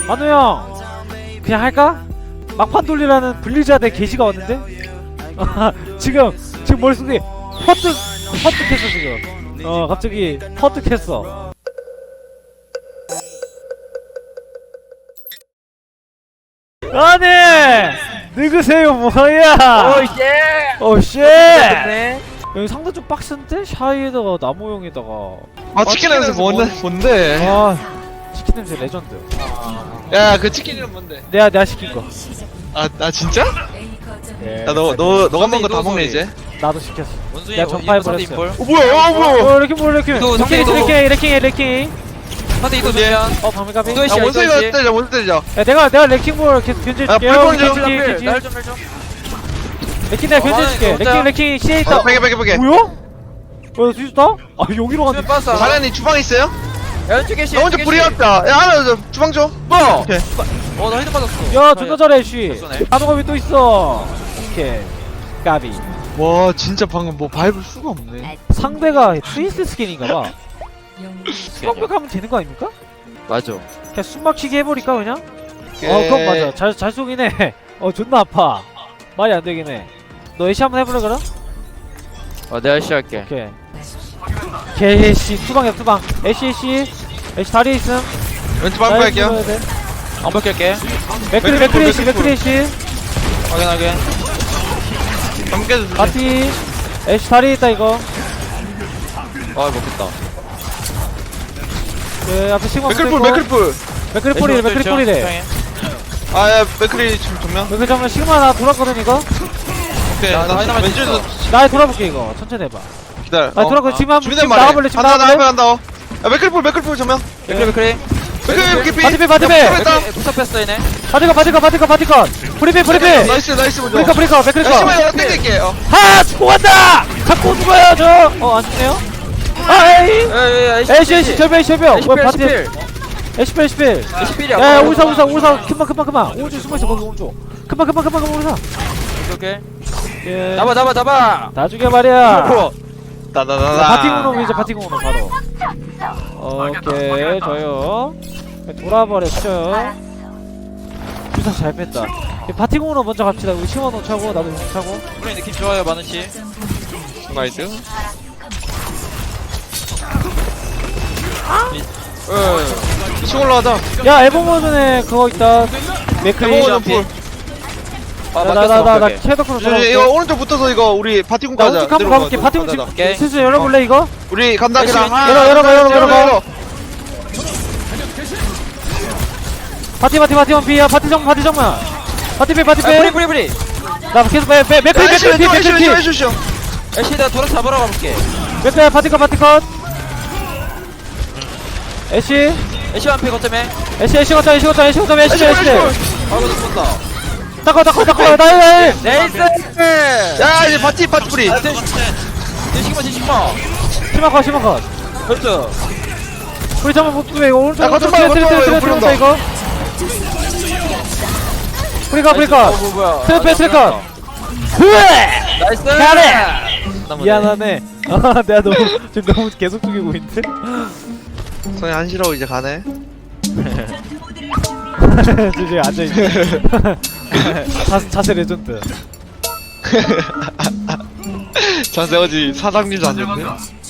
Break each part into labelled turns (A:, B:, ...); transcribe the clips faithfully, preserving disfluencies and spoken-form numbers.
A: 만우 형 그냥 할까? 막판 돌리라는 블리자드의 게시가 왔는데? 지금 지금 머릿속에 퍼뜩 퍼뜩했어 지금. 어 갑자기 퍼뜩했어. 아니 누구세요 뭐야?
B: 오예.
A: 오쉣.
B: 네.
A: 여기 상대 좀 빡센데? 샤이에다가 나무용에다가.
C: 아 치킨 냄새 뭔데? 뭔데?
A: 아 치킨 냄새 레전드.
C: 야 그 치킨 이름 뭔데?
A: 내가 내가 시킨 거.
C: 아 나 진짜?
A: 예.
C: 야 너 너 너가 먹은 거 다 먹네 이제.
A: 나도 시켰어.
B: 원숭이
A: 내가 전파해버렸어.
B: 인볼.
C: 어 뭐야? 어 뭐야?
A: 어 이렇게 뭐 이렇게
B: 이거
A: 이렇게
B: 상대
A: 이렇게 이렇게 이렇게.
B: 상대 이도
C: 어디에?
B: 주면.
A: 어 방미가비.
B: 이거
C: 야
B: 씨,
C: 원숭이가
B: 이거
C: 때리자 원숭이 때리자.
A: 야 내가 내가 레킹볼 계속 견제해줄게.
C: 야, 불꽃 좀
A: 견제 견제.
B: 날좀 날 좀.
A: 레킹 내가
B: 어,
A: 견제해줄게.
B: 하나,
A: 레킹 레킹 시에 있다.
C: 어 베개 베개 베개.
A: 뭐야? 어 뒤졌다? 아 여기로
B: 수면
A: 갔네.
B: 빠싸.
C: 자네님 주방 있어요?
B: 왼쪽에 씨.
C: 나 혼자 불이 왔다. 야 하나 저 주방 줘.
B: 뭐?
C: 오케이.
B: 어나 헤드 맞았어.
A: 야 존나 잘해 씨.
B: 됐어네.
A: 단호가 왜 또 있어? 오케이. 까비.
C: 와 진짜 방금 뭐 밟을 수가 없네.
A: 상대가 트위스트 스킨인가봐. 완벽하면 되는 거 아닙니까?
B: 맞아.
A: 그냥 숨막히게 해버릴까 그냥?
C: 오케이.
A: 어 그건 맞아. 잘, 잘 쏘긴 해. 어 존나 아파. 말이 안 되긴 해. 너 애쉬 한번 해볼래 그럼?
B: 어 내가 씨 할게.
A: 오케이. 개애쉬 투방이야 투방. 애쉬 애쉬 애쉬 다리에 있음.
C: 왼쪽 방금 할게요.
B: 안 벗길게.
A: 맥크리 맥크리 애쉬 맥크리 애쉬.
B: 확인하게.
C: 방금 깨줘.
A: 바티 애쉬 다리에 있다 이거.
B: 아 먹겠다.
A: 그 앞에 시그마
C: 맥클풀 맥클풀.
A: 맥크리 폴이래 맥크리 폴이래.
C: 아야 맥클이 지금 정면.
A: 맥크리 정면 시그마 나 돌았거든 이거.
C: 오케이.
B: 야,
C: 나
B: 다이나마이트
C: 왼쪽에서
A: 나 돌아볼게 이거 천천히 해봐.
C: 기다려.
A: 아 돌아볼게
B: 아,
A: 지금 한번
C: 준비된
A: 지금
C: 말해.
A: 나가볼래 지금
C: 간다 나 앞에
A: 나가볼래?
C: 간다. 야 맥클풀 맥클풀 정면.
B: 맥크리 맥크리.
C: 맥클 깊이.
A: 바티페 바티페
C: 했다.
B: 부석 뺐어 얘네.
A: 바티컷 바티컷 바티컷 바티컷 브리피 브리피
C: 나이스 나이스 먼저.
A: 브리컷 브리컷 맥크리
C: 야
A: 컷.
C: 시마야 땡길게. 어.
A: 하! 죽고 간다! 자꾸 죽어요 저! 어 안죽네요? 아 에이!
B: 에이
A: 에이씨 에이씨 절벽 에이씨 절벽!
B: 에이씨
A: 왜
B: 필
A: 바티
B: 에이씨 필.
A: 에이씨 필 에이씨 필!
B: 에이씨 필이야.
A: 야 오르사 오르사 오르사 금방 금방 금방 오른쪽 숨어있어 거기 오른쪽 금방 금방 금방 금방 오르사
B: 오케이.
A: 예.
B: 잡아 잡아 잡아.
A: 다 죽여 말이야
C: 나나나나.
A: 바티공으로 이제 바티공으로 바로 오케이 저요 돌아버렸죠 부상 잘 뺐다 바티공으로 먼저 갑시다 우리 시원호 차고 나도 용 차고
B: 우리 느낌 좋아요 마누씨.
C: 나이스. 이 층 올라가자.
A: 야 에버모전에 그거 있다 맥크리
C: 에버모전 풀.
B: 아
A: 나나나나
B: 맞겠어.
A: 캐더크로
C: 이거
A: 돌아올게
C: 오른쪽 붙어서 이거 우리 바티공
A: 나
C: 가자.
A: 우측 한번 가볼게 바티공
C: 가자.
A: 지금
B: 오케이.
A: 슬슬 열어볼래 이거?
C: 우리 간다
B: 열심히
C: 그냥. 하나,
A: 열어, 열어봐,
C: 둘,
A: 열어봐,
C: 셋,
A: 열어봐. 바티 바티 바티 원피야 바티 정 바티 정만 바티 빼 바티
B: 아 프리
A: 빼
B: 프리 프리.
A: 나 계속 빼 빼 맥크리
C: 야,
A: 맥크리 피
C: 왼쪽,
A: 맥크리
C: 왼쪽,
A: 피
C: 왼쪽, 왼쪽.
B: 에이씨 내가 돌아 잡으러 가볼게.
A: 맥크리 바티 컷 바티 컷 애쉬
B: 에이씨 한피 거점에.
A: 애쉬 애쉬 거점 애쉬 거점 애쉬 거점 애쉬 애쉬
B: 아 이거 쏜다.
A: 닦아 닦아 닦아 나이 나이
B: 네이스.
C: 야 이제 바티 바티 뿌리.
B: 아 대시기마 대시기마.
A: 심화 컷 심화 컷
B: 그렇죠.
A: 우리 잠깐 못 빼 이거 오른쪽
C: 야, 거점
A: 트레
C: 봐,
A: 트레
C: 거점
A: 트레
C: 봐,
A: 트레
C: 이거
A: 들어온다 이거 프리카 프리카
B: 어, 뭐, 뭐야.
A: 트레 빼
B: 아,
A: 트레
B: 잘했다.
A: 컷 후에
B: 나이스.
A: 잘해! 미안하네 아 내가 너무 지금 너무 계속 죽이고 있는데
C: 손이 한시라고 이제 가네.
A: 지금 앉아있네 자세, 자세 레전드
C: 자세 어지 사장님도 아니었네.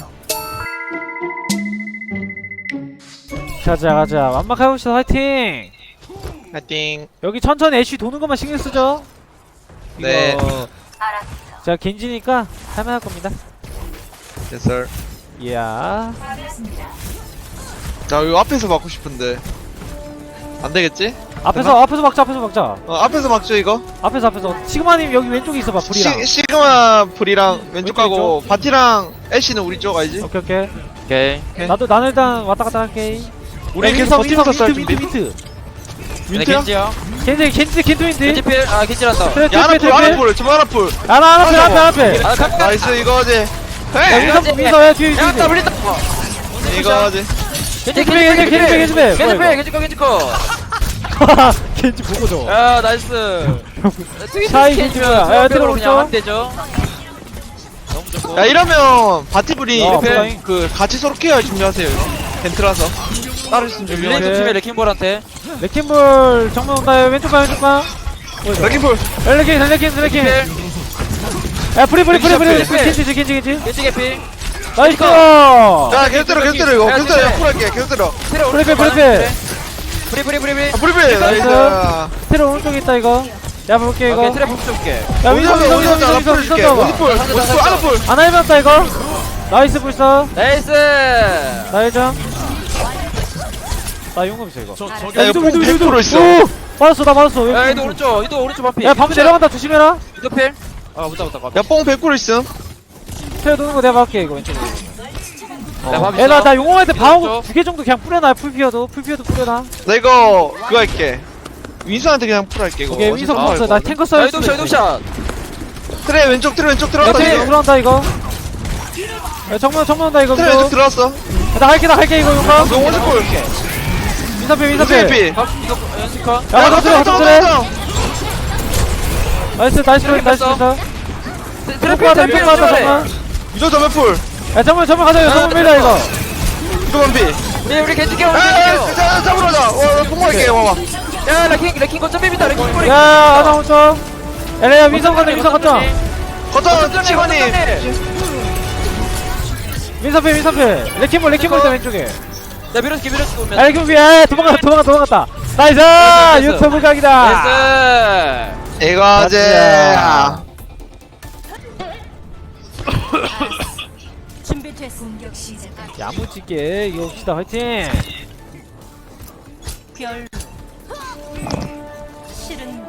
A: 가자 가자 완막해봅시다 화이팅
C: 파이팅.
A: 여기 천천히 애쉬 도는 것만 신경 쓰죠
C: 네.
A: 이거 제가 겐지니까 할만할 겁니다
C: Yes sir.
A: 이야
C: 자 이거 앞에서 막고 싶은데 안 되겠지?
A: 앞에서 앞에서 막자 앞에서 막자
C: 어 앞에서 막죠 이거.
A: 앞에서 앞에서 시그마님 여기 왼쪽에 있어봐 불이랑
C: 시, 시그마 불이랑 왼쪽
A: 왼쪽
C: 가고 바티랑 애쉬는 우리 쪽 알지?
A: 오케이 오케이
B: 오케이.
C: 오케이.
A: 나도 나는 일단 왔다 갔다 할게
C: 우리
A: 야,
C: 계속
A: 윈서,
C: 버티면서 쌀
A: 윈서,
C: 준비.
A: 윈트 윈트
B: 네,
C: 윈트야?
B: 겐지요.
A: 겐지 겐지 겐트 윈트
B: 겐지 필. 아 겐지란다.
A: 트레
C: 야 하나
A: 트레
C: 풀 하나
A: 트레
C: 풀 지금 하나 풀.
A: 하나 하나 앞에 앞에 앞에
B: 아 카.
C: 나이스 이거지.
A: 야
C: 헤이
A: 윈서 윈서 야 뒤에
B: 야
A: 뒤에
B: 더블리다.
C: 이거지.
B: 겐지
A: 겐지 필, 겐지 필, 겐지 필, 겐지 필.
B: 겐지
A: 뭐야,
B: 필 겐지 거 겐지 거.
A: 겐지 보고 줘
B: 야 나이스.
A: 샤이 겐지 뭐야 야 들어
B: 그냥 안
A: 오른쪽
B: 되죠. 너무 좋고.
C: 야 이러면 바티불이
A: 어,
C: 그,
A: 플라잉.
C: 그 같이 서로 케어 준비하세요. 이거. 겐트라서 따로 있으면
B: 릴레이
C: 준비하세요.
B: 좀 심해 레킹볼한테.
A: 레킹볼 정면 온다. 왼쪽 봐 왼쪽 봐.
C: 레킹볼.
A: 레킹 레킹 레킹. 야 프리 프리 프리 프리. 겐지 겐지 겐지.
B: 겐지 개피.
A: 나이스.
C: 야 계속 때려 계속 때려 이거
B: 야,
C: 계속 때려
B: 진짜.
C: 풀할게 계속 때려.
B: 트레
A: 프리 프리 프리 프리.
B: 프리 프리 프리 프리.
C: 아 브리비 나이스.
A: 테러 오른쪽에 있다 이거. 야 볼게 이거.
B: 오케이 트레 복수 줄게.
A: 야 윈서 윈서 윈서 윈서 윈서
C: 풀 줄게.
A: 윈서 봐.
C: 원스풀 원스풀 아나풀.
A: 하나 해봤다 이거. 나이스 불사.
B: 나이스.
A: 나이점. 나 용감 있어 이거.
C: 야 이거 뽕 백 퍼센트 있어.
A: 오! 맞았어 나 맞았어.
B: 야
A: 왜
B: 이도 오른쪽 이도 오른쪽 반피.
A: 야 밤 내려간다 조심해라.
B: 이도 필. 아 못다 못다 못.
C: 야뽕 백 퍼센트 있음.
A: 테러 도는 거 내가 막게 이거 왼쪽으로.
B: 야
A: 에나 나 용왕할 때 방어구 두 개 정도 그냥 뿌려놔. 풀피어도 풀피어도 뿌려놔.
C: 나 이거 그거 할게. 윈서한테 그냥 풀할게 이거.
A: 오케이 윈서
C: 어차피
A: 없어. 나 탱커 써야
B: 야 이도 샷 이도 샷.
C: 트레 왼쪽 트레 왼쪽
A: 야
C: 들어갔다.
A: 테러
C: 지금.
A: 들어간다 이거. 야 정면 정면 온다 이거.
C: 트레 왼쪽 들어왔어.
A: 야, 나 할게 나 할게 이거 용감.
C: 너 원스풀.
A: 민사필 민사필.
C: 트레피.
B: 각 이거 연습카.
A: 야 가자 들어 가자 들어.
C: 야
A: 나이스 나이스 나이스 나이스.
B: 트레
A: 트래프 하다
B: 필
A: 트래프 하다 정면.
C: 이거 전멸풀.
A: 야 정면 정면 가자 이거 정면 밀자 이거.
C: 이거 반피.
B: 우리 우리 겐지 깨워. 우리
C: 야,
B: 겐지
C: 자, 잡으러 가자. 와, 뽕할게, 와봐.
B: 깨워. 야 레킹 레킹 거점 맵이다 레킹 꼬리.
A: 야 하나 오죠. 엘레야 민성 가자 민성 가자.
C: 거점, 치관이.
A: 민사필 민사필. 레킹볼 레킹볼 있다 왼쪽에.
B: 야 밀어줄게 밀어줄게 오면.
A: 야 레킹볼 야 도망가 도망가 도망갔다. 나이스
B: 나이스.
A: 유튜브 각이다.
B: 나이스.
C: 이거지.
D: 준비됐어. 공격 시작.
A: 야무지게 이거 봅시다 화이팅.
D: 별. 실은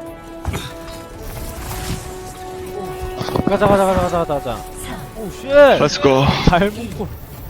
A: 가자 가자 가자 가자 가자 가자. 오쉣.
C: 렛츠고.
A: 잘 먹고.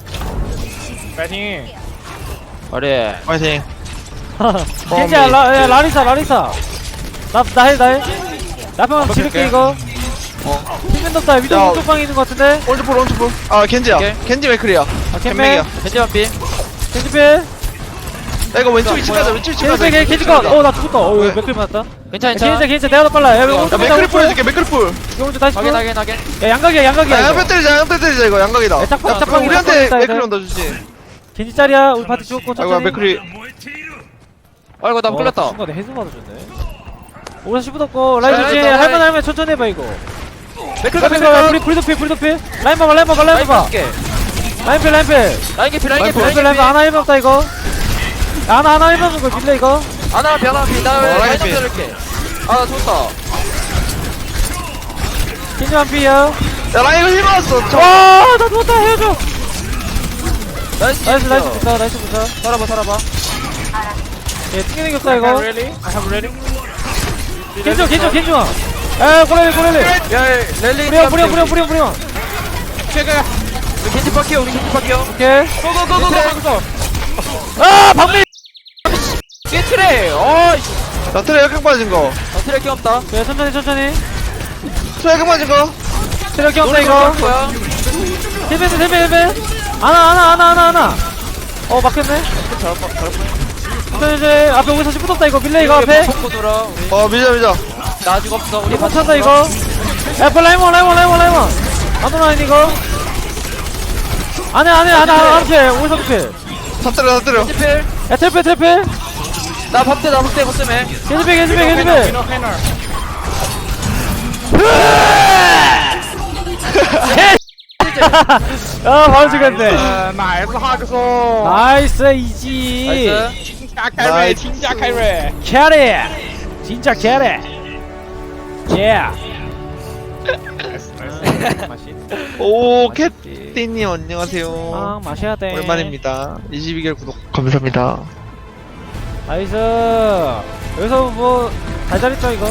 A: 파이팅.
B: 어리.
C: 파이팅.
A: 겐지야 라, 야, 라리사 라리사. 나나해 나해. 나병 지를게 이거.
C: 어.
A: 힘면 덥다. 위도
C: 야.
A: 오른쪽 방에 있는 거 같은데.
C: 오른쪽볼, 오른쪽볼. 아, 겐지야.
B: 오케이.
C: 겐지 맥클이야.
A: 아
C: 캔맥이야.
A: 캔맥.
B: 겐지 반피.
A: 겐지필.
C: 야, 이거 왼쪽 위치 가자, 왼쪽 위치 가자.
A: 겐지 겐지 컷. 어나 죽었다. 어
C: 왜?
A: 맥클 맞았다.
B: 괜찮아
A: 겐지
B: 괜찮아.
A: 겐지 내가 더 빨라. 야 오른쪽
C: 야, 맥클이 풀 해줄게, 맥클이 풀.
A: 오른쪽 다시 풀.
B: 확인 확인 확인.
A: 야 양각이야 양각이야.
C: 야,
A: 이거.
C: 양패 때리자, 양패 때리자, 이거 양각이다.
A: 야, 짝방,
C: 야,
A: 짝방,
C: 그럼 우리한테
A: 짝방 있다,
C: 맥클
A: 얘들.
C: 온다 주지.
A: 겐지 짤이야. 우리 파티 죽었고
C: 아이고,
A: 천천히.
C: 맥클이.
B: 아이고 나
A: 어,
B: 풀렸다.
A: 순간에 해수 받아줬네. 오른 십 떴고 라인
B: 자,
A: 조지
B: 라인, 라인.
A: 할만 할만 천천히 해봐 이거.
B: 맥클
A: 라인
B: 맥클
A: 봐
B: 맥클.
A: 우리 불도피 불도피 라인 봐봐 라인 봐봐 라인
B: 라인
A: 봐봐
B: 볼게.
A: 라인 필 라인 필
B: 라인 개피 라인 개피
A: 라인 필
B: 라인
A: 라인 필 하나
B: 개피.
A: 일면 없다 이거. 야, 하나 하나 일면 거 빌려 이거.
B: 하나 피 하나 피. 나
C: 어, 라인
B: 라인 좀
C: 개피.
B: 들을게. 아나 좋다.
A: 겐지 한 피야.
C: 야, 라인 이거 힐 받았어. 저.
A: 와나 누웠다 헤어져.
B: 나이스
A: 나이스 나이스 붙어 나이스 붙어.
B: 살아봐 살아봐.
A: 얘 튕기는 게 없다 이거.
B: I have ready.
A: 겐지 겐지 겐지 와. 에 꼬레리 꼬레리.
B: 야 랠리.
A: 뿌려 뿌려 뿌려 뿌려 뿌려.
B: 우리 겐지 파키요 우리 겐지 파키요.
A: 오케이.
B: 고고고고고.
A: 아 방미.
B: 뒤에 트레. 어.
C: 나 트레 역행 빠진 거.
B: 어 트레 키 없다.
A: 그래 천천히 천천히.
C: 트레 역행 빠진 거.
A: 체력이 없다
B: 노래
A: 이거.
B: 거야.
A: 힐벤 힐벤 힐벤. 하나 하나 하나 하나 하나. 어 막혔네. 저 이제 앞에 오기서 붙었다 이거 밀레 이거 앞에.
B: 먹고 돌아. 우리
C: 어, 밀자, 밀자.
B: 나 아직 없어. 우리
A: 이거 찬다 이거. 야 빨리 라이몬 라이몬 라이몬 라이몬. 안도나 이거. 안해 안해 안해 안해 오기서 붙게.
C: 다 때려, 다 때려.
B: 겐지필.
A: 야 트래필 트래필.
B: 나 밥대 나 밥대 거점에.
A: 겐지필 겐지필 겐지필. 아 바로 죽였네. 나이스 이지.
B: 나이스.
C: 나이스.
A: 캐리. 진짜 캐리. 예.
C: 오, 캣띠님, 안녕하세요.
A: 아 마셔야 돼.
C: 오랜만입니다. 이십이 개월 구독 감사합니다.
A: 나이스. 여기서 뭐 달달했죠 이거.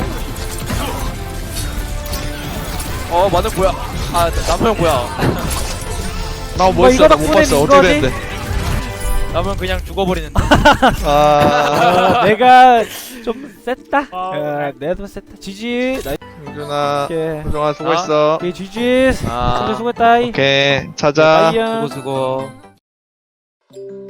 B: 어 마늘 뭐야? 아 나무 형 뭐야?
C: 나
A: 뭐
C: 뭐 했어?
A: 이거
C: 나 못
A: 덕분에
C: 봤어.
A: 이거지?
C: 어떻게 됐는데?
B: 나무 형 그냥 죽어버리는데.
C: 아,
A: 어, 내가 좀 셌다. 어, 내가 좀 셌다. 지지. 나이스.
C: 유준아,
A: 오케이.
C: 유준아 수고했어.
A: 오케이 지지.
B: 아.
A: 선배 수고했다.
C: 오케이, 자자.
A: 빠이야.
B: 수고 수고.